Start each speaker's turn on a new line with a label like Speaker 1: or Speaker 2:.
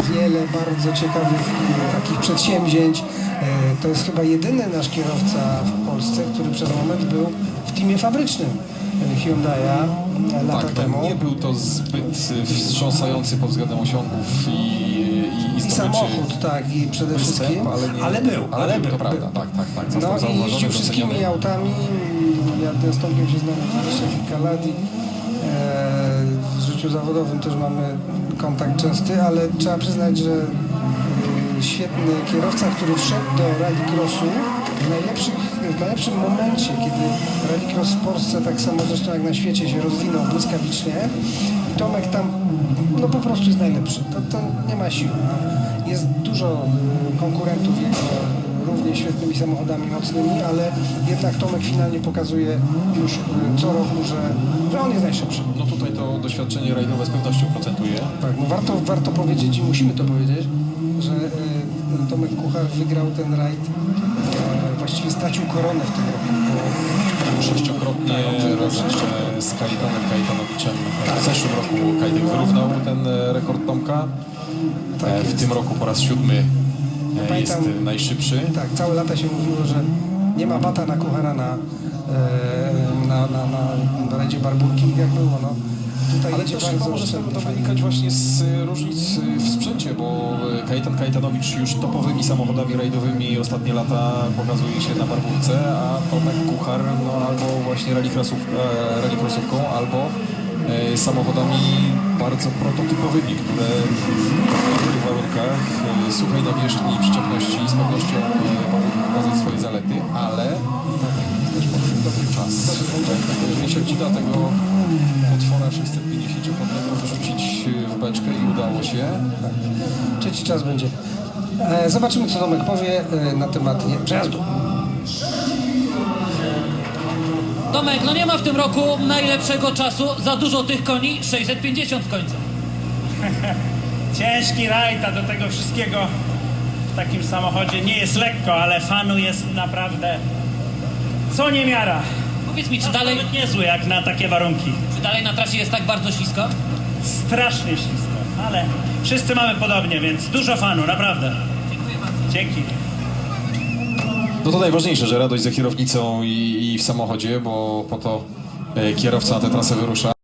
Speaker 1: wiele bardzo ciekawych takich przedsięwzięć. To jest chyba jedyny nasz kierowca w Polsce, który przez moment był w teamie fabrycznym Hyundai'a lata temu.
Speaker 2: Nie był to zbyt wstrząsający pod względem osiągów i
Speaker 1: samochód, tak, i przede wszystkim,
Speaker 2: ale był, to prawda, tak.
Speaker 1: No i jeździł wszystkimi autami. Ja z Tomkiem się znam 20 kilka lat i w życiu zawodowym też mamy kontakt częsty, ale trzeba przyznać, że świetny kierowca, który wszedł do rallycrossu w najlepszym momencie, kiedy rallycross w Polsce, tak samo zresztą jak na świecie, się rozwinął błyskawicznie. I Tomek tam no po prostu jest najlepszy. To nie ma siły. Jest dużo konkurentów równie świetnymi samochodami mocnymi, ale jednak Tomek finalnie pokazuje już co roku, że on jest najszybszy.
Speaker 2: No tutaj to doświadczenie rajdowe z pewnością procentuje.
Speaker 1: Tak, no warto powiedzieć i musimy to powiedzieć, że Tomek Kuchar wygrał ten rajd, właściwie stracił koronę w tym roku.
Speaker 2: Sześciokrotnie razem z Kajtanem Kajtanowiczem. W zeszłym roku Kajtek wyrównał ten rekord Tomka. W tym roku po raz 7 jest najszybszy.
Speaker 1: Tak, całe lata się mówiło, że nie ma bata na Kuchara na rajdzie Barbórki, jak było. No. Tutaj
Speaker 2: ale też chyba może z tego to wynikać właśnie z różnic w sprzęcie, bo Kajtan Kajtanowicz już topowymi samochodami rajdowymi ostatnie lata pokazuje się na Barbórce, a Tomek Kuchar no, albo właśnie rallycrossówką, albo samochodami bardzo prototypowymi, które w niektórych warunkach suchej nawierzchni, przyczepności z pewnością mogą pokazać swoje zalety, ale też potrzebny dobry czas. Jeżeli się uda tego potwora 650-konnego wyrzucić w beczkę i udało się.
Speaker 1: Trzeci czas będzie. Zobaczymy, co Tomek powie na temat przejazdu.
Speaker 3: Tomek, no nie ma w tym roku najlepszego czasu, za dużo tych koni, 650 w końcu.
Speaker 4: Ciężki rajd, a do tego wszystkiego w takim samochodzie nie jest lekko, ale fanu jest naprawdę co niemiara.
Speaker 3: Powiedz mi, czy dalej,
Speaker 4: Nawet niezły jak na takie warunki.
Speaker 3: czy dalej na trasie jest tak bardzo ślisko?
Speaker 4: Strasznie ślisko, ale wszyscy mamy podobnie, więc dużo fanu, naprawdę.
Speaker 3: Dziękuję bardzo.
Speaker 4: Dzięki.
Speaker 2: No to najważniejsze, że radość za kierownicą i w samochodzie, bo po to kierowca na tę trasę wyrusza.